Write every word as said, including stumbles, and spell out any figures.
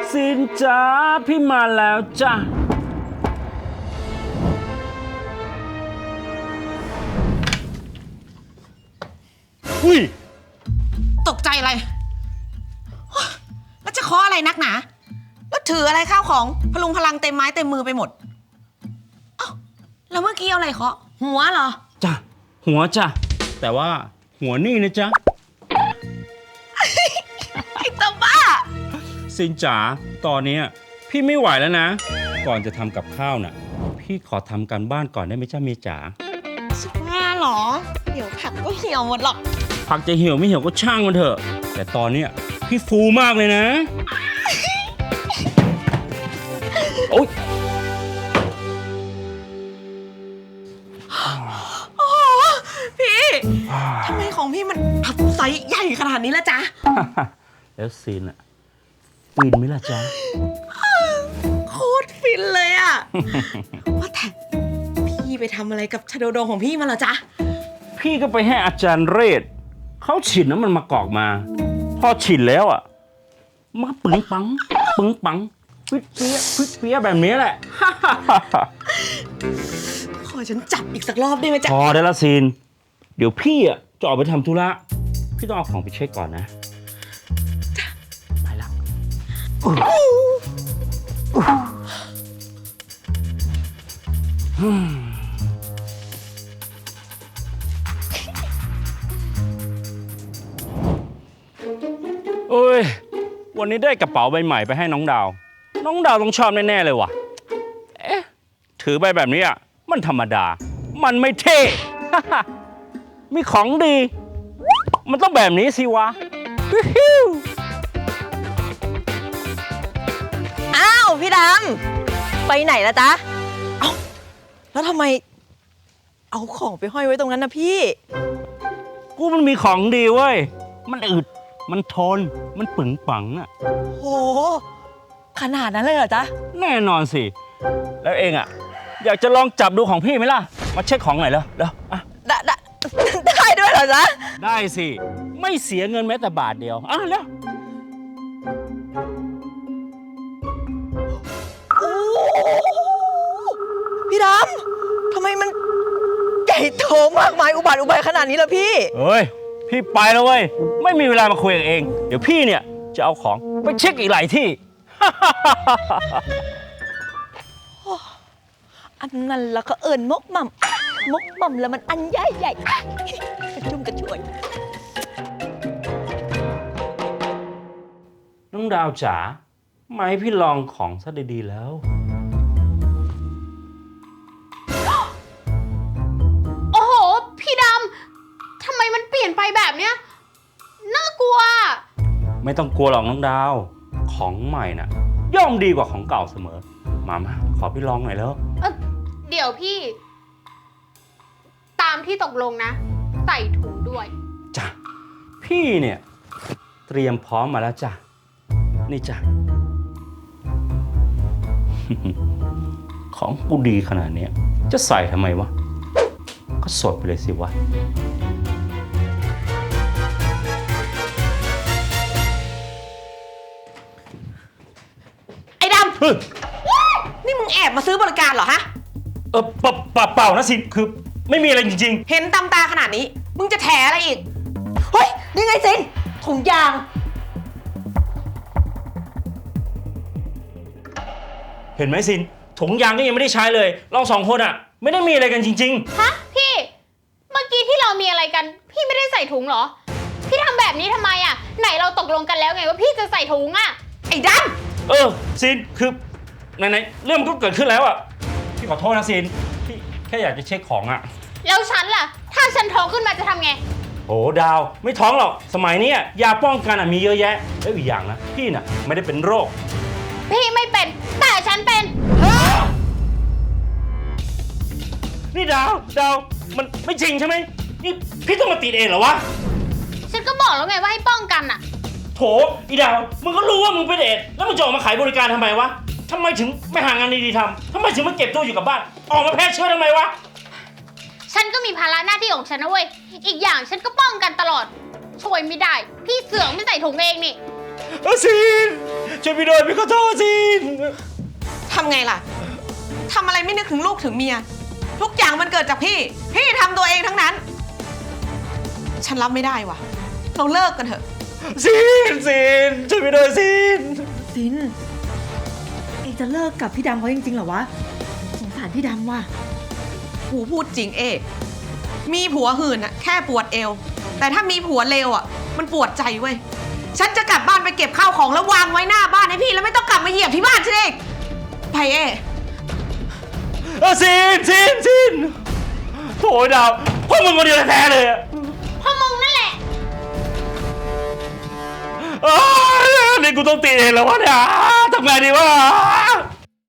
ซินจ้าพี่มาแล้วจ้ะอุ้ยตกใจอะไรแล้วจะเคาะอะไรนักหนาแล้วถืออะไรข้าวของพลุงพลังเต็มไม้เต็มมือไปหมดอ้าวแล้วเมื่อกี้เอาอะไรเคาะหัวเหรอจ้ะหัวจ้ะแต่ว่าหัวนี่นะจ๊ะไอ้ตัวบ้าซินจ๋าตอนนี้พี่ไม่ไหวแล้วนะก่อนจะทำกับข้าวน่ะพี่ขอทำการบ้านก่อนได้ไหมจ้าเมียจ๋าสุกว่าหรอเดี๋ยวผักก็เหี่ยวหมดหรอกผักจะเหี่ยวไม่เหี่ยวก็ช่างมันเถอะแต่ตอนนี้พี่ฟูมากเลยนะโอ๊ยโอ้พี่ทำไมของพี่มันอับไซส์ใหญ่ขนาดนี้ละจ๊ะแล้วซีนอะฟินไหมล่ะจ๊ะโคตรฟินเลยอะว่าแต่พี่ไปทำอะไรกับชาโดโดของพี่มาเหรอจ๊ะพี่ก็ไปให้อาจารย์เรศเขาฉีดน้ำมันมะกอกมาพอฉีดแล้วอะมาปึ้งปังปึ้งปังพิษเปี้ยพิษเปี้ยแบบนี้แหละขอฉันจับอีกสักรอบได้ไหมจ๊ะพอได้ละซีนเดี๋ยวพี่อะจะออกไปทำธุระพี่ต้องเอาของไปเช็คก่อนนะไปละโอ้ยวันนี้ได้กระเป๋าใบใหม่ไปให้น้องดาวน้องดาวต้องชอบแน่ๆเลยว่ะเอ๊ะถือไปแบบนี้อ่ะมันธรรมดามันไม่เท่ มีของดีมันต้องแบบนี้สิวะอ้าวพี่ดำไปไหนละจ๊ะเอ้าแล้วทำไมเอาของไปห้อยไว้ตรงนั้นนะพี่กูมันมีของดีเว้ยมันอึดมันทนมันปึงปังอ่ะโหขนาดนั้นเลยเหรอจ๊ะแน่นอนสิแล้วเองอ่ะอยากจะลองจับดูของพี่ไหมล่ะมาเช็คของหน่อยแล้วแล้วอ่ะได้ได้ได้ด้วยเหรอจ๊ะได้สิไม่เสียเงินแม้แต่บาทเดียวอ่ะแล้วพี่ดำทำไมมันใหญ่โตมากมายอุบัติอุบายขนาดนี้ล่ะพี่เฮ้ยพี่ไปแล้วเว้ยไม่มีเวลามาคุยกับเองเดี๋ยวพี่เนี่ยจะเอาของไปเช็คอีกหลายที่อันนั้นแล้วก็เอิญมกหม่ำมกหม่ำแล้วมันอันใหญ่ใหญ่กระชุ่มกระชวยน้องดาวจ๋ามาให้พี่ลองของซะดีๆแล้วโอ้โหพี่ดำทำไมมันเปลี่ยนไปแบบเนี้ยน่ากลัวไม่ต้องกลัวหรอกน้องดาวของใหม่น่ะย่อมดีกว่าของเก่าเสมอมามาขอพี่ลองหน่อยแล้วเออเดี๋ยวพี่ตามที่ตกลงนะใส่ถุงด้วยจ้ะพี่เนี่ยเตรียมพร้อมมาแล้วจ้ะนี่จ้ะ ของกูดีขนาดนี้จะใส่ทำไมวะก็สดไปเลยสิวะไอ้ดำนี่มึงแอบมาซื้อบริการเหรอฮะเออเปล่าเปล่านะสิคือไม่มีอะไรจริงๆเห็นตำตาขนาดนี้มึงจะแถอะไรอีกเฮ้ยนี่ไงสินถุงยางเห็นไหมสินถุงยางก็ยังไม่ได้ใช้เลยเราสองคนอ่ะไม่ได้มีอะไรกันจริงๆฮะพี่เมื่อกี้ที่เรามีอะไรกันพี่ไม่ได้ใส่ถุงเหรอพี่ทำแบบนี้ทำไมอ่ะไหนเราตกลงกันแล้วไงว่าพี่จะใส่ถุงอ่ะไอ้ดำเออสินคือไหนๆเรื่องมันก็เกิดขึ้นแล้วอ่ะพี่ขอโทษนะสินพี่แค่อยากจะเช็คของอ่ะแล้วฉันล่ะถ้าฉันท้องขึ้นมาจะทำไงโอ้ดาวไม่ท้องหรอกสมัยนี้ยาป้องกันอ่ะมีเยอะแยะแล้วอีกอย่างนะพี่น่ะไม่ได้เป็นโรคพี่ไม่เป็นแต่ฉันเป็นนี่ดาวดาวมันไม่จริงใช่ไหมนี่พี่ต้องมาติดเองเหรอวะฉันก็บอกแล้วไงว่าให้ป้องกันอ่ะโถอีดาวมึงก็รู้ว่ามึงเป็นเอดแล้วมึงจะออกมาขายบริการทำไมวะทำไมถึงไม่หางานดีๆทำทำไมถึงมาเก็บตัวอยู่กับบ้านออกมาแพร่เชื้อทำไมวะฉันก็มีภาระหน้าที่ของฉันนะเว้ยอีกอย่างฉันก็ป้องกันตลอดช่วยไม่ได้พี่เสือกไม่ใส่ถุงเองนี่เออซีนช่วยพี่ด้วยพี่ขอโทษซีนทำไงล่ะ ทำอะไรไม่นึกถึงลูกถึงเมีย ทุกอย่างมันเกิดจากพี่ พี่ทำตัวเองทั้งนั้น ฉันรับไม่ได้ว่ะ เราเลิกกันเถอะซีนซีนช่วยพี่ด้วยซีนซินเองจะเลิกกับพี่ดำเขาจริงๆเหรอวะ สงสารพี่ดำว่ะกูพูดจริงเอ๊มีผัวหื่นอะแค่ปวดเอว แต่ถ้ามีผัวเลวอะมันปวดใจเว้ย ฉันจะกลับบ้านไปเก็บข้าวของแล้ววางไว้หน้าบ้านให้พี่แล้วไม่ต้องกลับมาเหยียบที่บ้านฉันเองไปเอ๊เออซีนซีนซีนโถ่ดาวพวกมึงคนเดียวแท้ๆเลยอะเพราะมึงนั่นแหละอ้าวนี่กูต้องตีเองแล้ววะเนี่ยทำไงดีวะ